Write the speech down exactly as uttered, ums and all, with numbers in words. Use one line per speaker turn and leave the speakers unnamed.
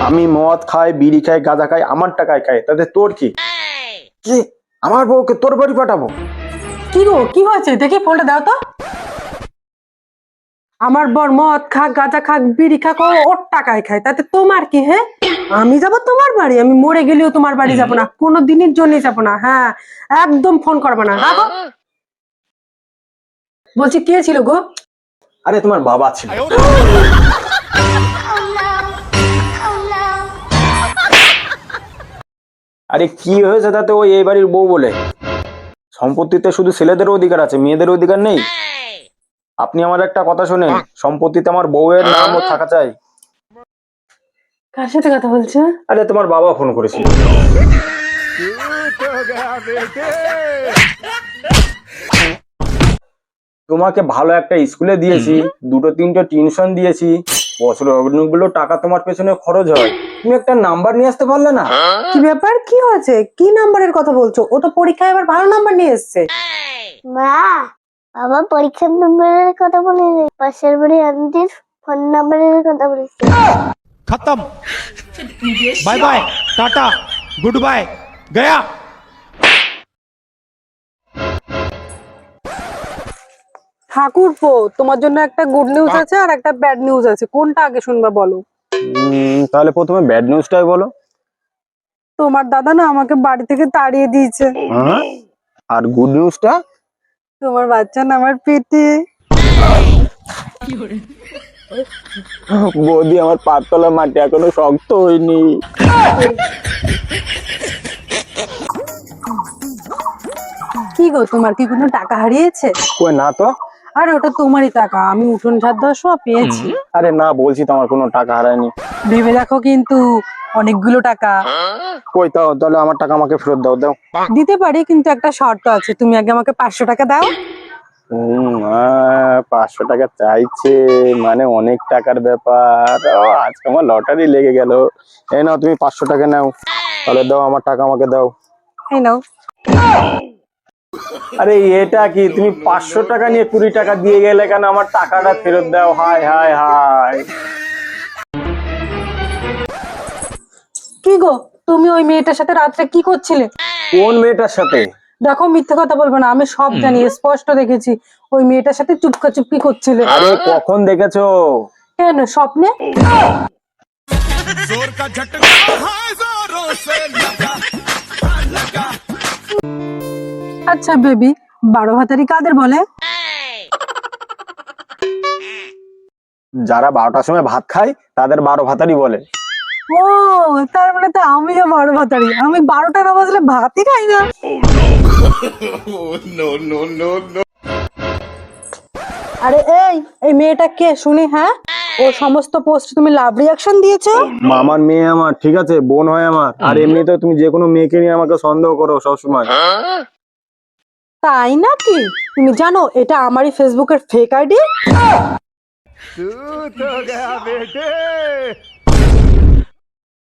আমি মদ খাই, বিড়ি খাই, গাঁজা খাই, আমার টাকায় খাই, তাতে তোর কি? কি আমার বউকে তোর বাড়ি পাঠাবো?
কি গো, কি হয়েছে? দেখি ফোনটা দাও তো। আমার বর মদ খাক, গাঁজা খাক, বিড়ি খাক, ও ওর টাকায় খায়, তাতে তোমার কি? হ্যাঁ, আমি যাব তোমার বাড়ি? আমি মরে গেলেও তোমার বাড়ি যাব না, কোনো দিনের জন্য যাব না। হ্যাঁ, একদম ফোন করবে না। রাখো। বলছি, কে ছিল গো?
আরে তোমার বাবা ছিল। আরে কি হয়েছে তাতে? ওই এই বাড়ির বউ বলে। সম্পত্তিতে শুধু ছেলেদের অধিকার আছে, মেয়েদের অধিকার নেই। আপনি আমার একটা কথা শুনেন, সম্পত্তিতে আমার বউয়ের নামও থাকা চাই।
কার সাথে কথা বলছো?
আরে তোমার বাবা ফোন করেছিল। তোমাকে ভালো একটা স্কুলে দিয়েছি, দুটো তিনটে টিউশন দিয়েছি, বছরে অনেকগুলো টাকা তোমার পেছনে খরচ হয়, তুমি একটা নাম্বার নিয়ে আসতে পারলে না?
কি ব্যাপার, কি হয়েছে? কি নাম্বারের কথা বলছো? ও তো পরীক্ষায় এবার ভালো নাম্বার নিয়ে এসেছে।
মা, বাবা পরীক্ষার নম্বরের কথা বলেনি, পাশের বাড়ি আন্টির ফোন নাম্বারের কথা বলেছে।
खत्म bye bye tata good bye गया।
ঠাকুরপো, তোমার জন্য একটা গুড নিউজ আছে আর একটা ব্যাড নিউজ আছে, কোনটা আগে শুনবা বলো?
উম, তাহলে প্রথমে ব্যাড নিউজটাই বলো।
তোমার দাদা না আমাকে বাড়ি থেকে তাড়িয়ে দিয়েছে।
হ্যাঁ? আর গুড নিউজটা?
তোমার বাচ্চা না আমার পেটে।
বৌদি, আমার পাতলা মাটি এখনো শক্ত হয়নি।
কি গো, তোমার কি কোনো টাকা হারিয়েছে?
কই না তো।
আরে ওটা তোমারই টাকা, আমি উঠোন ঝাড় দেওয়ার সময় পেয়েছি।
আরে না, বলছি তো আমার কোনো টাকা হারায়নি।
ভেবে দেখো কিন্তু, অনেকগুলো টাকা।
কই তাও, তাহলে আমার টাকা আমাকে ফেরত দাও দাও।
দিতে পারি, কিন্তু একটা শর্ত আছে, তুমি আগে আমাকে পাঁচশো টাকা দাও।
হুম, আহ, পাঁচশো টাকা চাইছে মানে অনেক টাকার ব্যাপার। ও, আজকে আমার লটারি লেগে গেল। এই নাও, তুমি পাঁচশো টাকা নাও। তাহলে দাও, আমার টাকা আমাকে দাও।
এই নাও।
আরে এটা কি, তুমি পাঁচশো টাকা নিয়ে কুড়ি টাকা দিয়ে গেলে কেন? আমার টাকাটা ফেরত দাও। Hi hi hi.
কি গো, তুমি ওই মেয়েটার সাথে রাত্রে কি করছিলে?
কোন মেয়েটার সাথে?
দেখো, মিথ্যে কথা বলবো না, আমি সব জানি, স্পষ্ট দেখেছি। ওই মেয়েটার সাথে চুপকা চুপকি করছিলে।
আরে কখন দেখেছো?
কেন, স্বপ্নে?
जोर का झटका हाय जोरों से लगा लगा।
আচ্ছা বেবি, বারো ভাতারি কাদের বলে?
যারা বারোটার সময় ভাত খায় তাদের বারো ভাতারি বলে।
ও, তার মানে তো আমিও বারো ভাতারি। আমি বারোটা না বাজলে ভাতই খাই না।
No no no no.
আরে এই এই মেয়েটা কে শুনি? হ্যাঁ, ও সমস্ত পোস্ট তুমি লাভ রিয়াকশন দিয়েছো।
মামার মেয়ে আমার, ঠিক আছে, বোন হয় আমার। আর এমনিতে তুমি যে কোনো মেয়েকে নিয়ে আমাকে সন্দেহ করো সবসময়।
তাই নাকি? তুমি জানো এটা আমারই ফেসবুকের ফেক আইডি।
तू तो गया बेटे।